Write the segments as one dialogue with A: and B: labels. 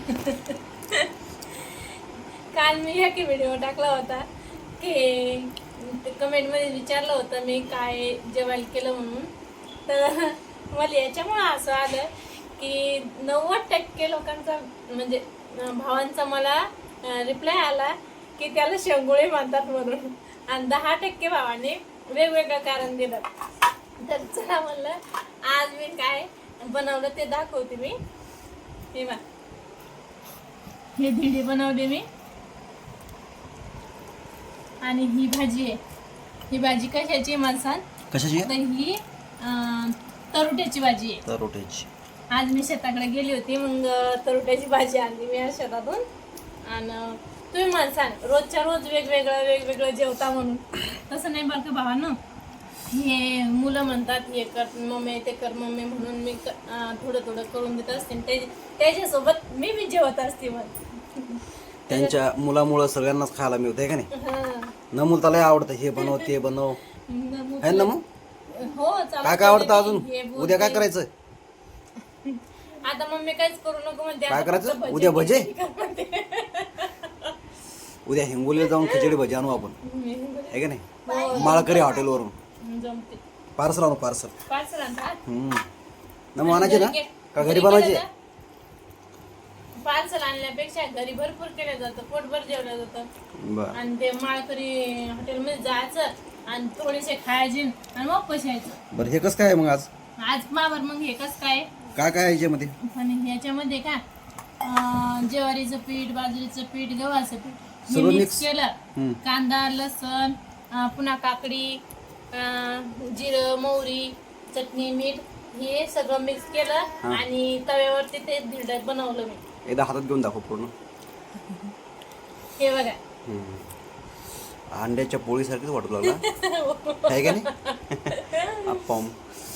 A: काल मी एक व्हिडिओ टाकला होता की कमेंटमध्ये विचारलं होतं मी काय जेवायला केलं म्हणून. तर मला याच्यामुळे असं आलं की 90% लोकांचा म्हणजे भावांचा मला रिप्लाय आला की त्याला शेंगोळे म्हणतात म्हणून, आणि 10% भावाने वेगवेगळं कारण दिलं. तर चला म्हणलं आज मी काय बनवलं ते दाखवते मी. हे धिडी बनवले मी, आणि ही भाजी आहे. ही भाजी कशाची मला सांग?
B: कशाची?
A: तर ही तरुट्याची भाजी आहे.
B: तरोट्याची.
A: आज मी शेताकडे गेली होती, मग तरुट्याची भाजी आणली मी आज शेतातून. आणि तुम्ही मला सांग रोजच्या रोज वेगवेगळं जेवता म्हणून, तसं नाही बरं का भावानं. हे मुलं म्हणतात हे कर मम्मी ते कर मम्मी म्हणून मी थोडं करून देत असते. त्याच्यासोबत मी जेवत असते. मग
B: त्यांच्या मुलामुळं सगळ्यांनाच खायला मिळतंय का नाही? नमूल त्याला आवडतं हे बनव ते बनव है ना. मग
A: हो
B: काय काय आवडतं अजून? उद्या काय करायचं?
A: आता मम्मी काहीच करू नको म्हणते.
B: काय करायचं उद्या? भजे. उद्या हिंगोलीला जाऊन खिचडी भजी आणू आपण, आहे का नाही? माळकरी हॉटेलवरून
A: जमते.
B: पार्सल आणू. पार्सल
A: आणतात
B: नमू आणायचे ना का घरी बनवायचे?
A: पार्सल आणल्यापेक्षा घरी भरपूर केलं जातं, पोटभर जेवलं जातं. आणि ते माळकरी हॉटेलमध्ये जायचं आणि थोडेसे खायचे आणि मग पशायचं.
B: बरं हे कसं काय मग आज
A: मावर मग हे कसं काय
B: काय याच्यामध्ये?
A: आणि ह्याच्यामध्ये का ज्वारीचं पीठ, बाजरीचं पीठ, गव्हाचं पीठ हे
B: सगळं
A: मिक्स
B: mix?
A: केलं. कांदा, लसण, पुन्हा काकडी, जिरं, मोहरी, चटणी, मीठ हे सगळं मिक्स केलं आणि तव्यावरती ते धिरड बनवलं मी.
B: एकदा हातात घेऊन दाखव पूर्ण.
A: हे बघा
B: अंड्याच्या पोळीसारखीच वाटू लागला आहे का नाही? अप्पम.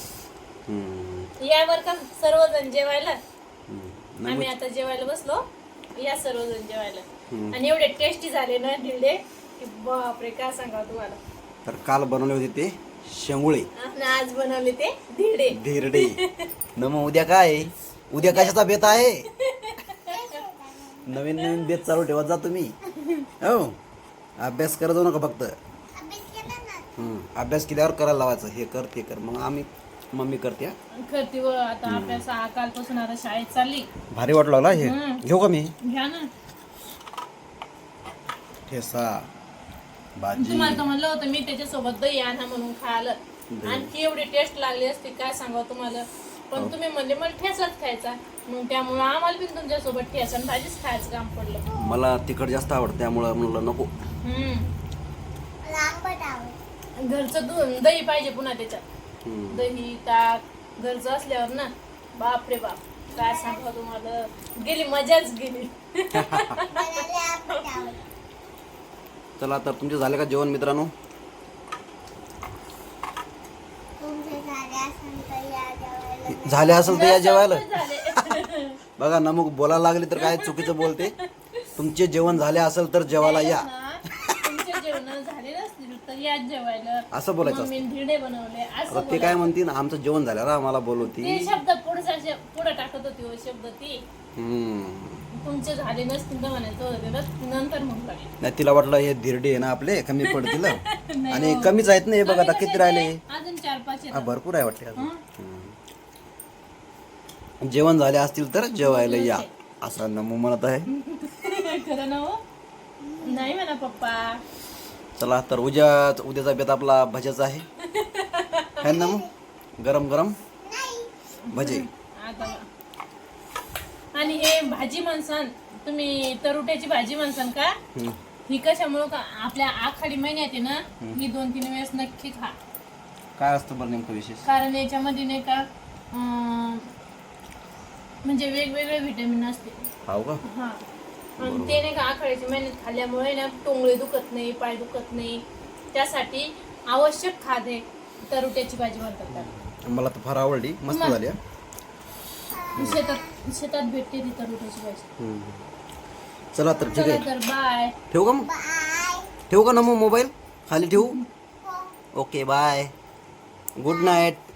A: यावर का सर्वजण जेवायला. आम्ही आता जेवायला बसलो, या सर्वजण जेवायला. आणि एवढे टेस्टी झाले ना धिरडे की बापरे काय सांगा तुम्हाला.
B: तर काल बनवले होते ते शेंगुळे
A: आणि आज बनवले ते धिरडे.
B: धिरडे न. मग उद्या काय? उद्या कशाचा बेत आहे? नवीन बेत चालू ठेवत जा तुम्ही. हो अभ्यास करत जाऊ नका फक्त. अभ्यास केल्यावर करायला लावायचं, हे कर ते कर. मग मम्मी करते.
A: व आता अभ्यास कालपासून आता शाळेत चालली.
B: भारी वाटू लागला हे. घेऊ का मी?
A: घ्या ना.
B: ठेसा भाजी.
A: तुम्हाला तर म्हणलं होतं मी त्याच्यासोबत दही आणा म्हणून खायला, आणखी एवढी टेस्ट लागली असते काय सांगा तुम्हाला. पण तुम्ही म्हणले मला ठेचाच खायचा, मग त्यामुळे आम्हाला पण तुमच्यासोबत ठेचा आणि भाजीच खायचं काम पडलं.
B: मला तिखट जास्त आवडतं त्यामुळं म्हणलं नको.
A: घरचं दूध दही पाहिजे पुन्हा त्याच्यात. दही ताक घरचं असल्यावर ना बाप रे बाप काय सांगा तुम्हाला, गेली मजाच गेली.
B: चला तर तुमचे झाले का जेवण मित्रांनो? झाले असेल तर या जेवायला. बघा ना मग बोलायला लागले तर काय चुकीचं बोलते. तुमचे जेवण झाले असेल तर जेवायला या.
A: तुमचे जेवण झाले नसतील तर या जेवायला
B: असं बोलायचं.
A: मम्मीने धिरडे बनवले असं
B: ते काय म्हणतील आमचं जेवण झाल्यावर आम्हाला बोलवती.
A: ते शब्द पुढे टाकत होती हो शब्द ती. तुमचे झाले नसतील तर म्हणायचं होतं नंतर म्हणून.
B: नाही तिला वाटलं हे धिरडे आहे ना आपले कमी पडतील आणि कमीच आहेत ना. हे बघा आता किती राहिले.
A: अजून 4-5
B: भरपूर आहे वाटले अजून. जेवण झाले असतील तर जेवायला या असं नमू म्हणत आहे.
A: खरं ना हो? नाही म्हणा पप्पा.
B: चला तर उद्याचा बेत आपला भज्याचा आहे ना. मग गरम गरम भजे.
A: आणि हे भाजी म्हणसान तुम्ही तरुट्याची भाजी म्हणसान का? ही कशामुळं का आपल्या आखाडी महिन्यात आहे ना ही 2-3 वेळेस नक्की खा.
B: काय असतं बरं नेमकं विशेष?
A: कारण याच्यामध्ये नाही का म्हणजे वेगवेगळे व्हिटॅमिन असते.
B: हो का?
A: हा. आणि ते नाही का आखाड्याच्या महिन्यात खाल्ल्यामुळे ना टोंगळे दुखत नाही, पाय दुखत नाही. त्यासाठी आवश्यक खाद्य तरुट्याची भाजी म्हणतात त्याला.
B: मला तर फार आवडली, मस्त झाली.
A: शेतात भेटते ती तरुट्याची भाजी.
B: चला तर ठीक आहे.
A: तर बाय.
B: ठेवू का मग? ठेवू का ना मग मोबाईल खाली ठेवू? Okay bye. Good night.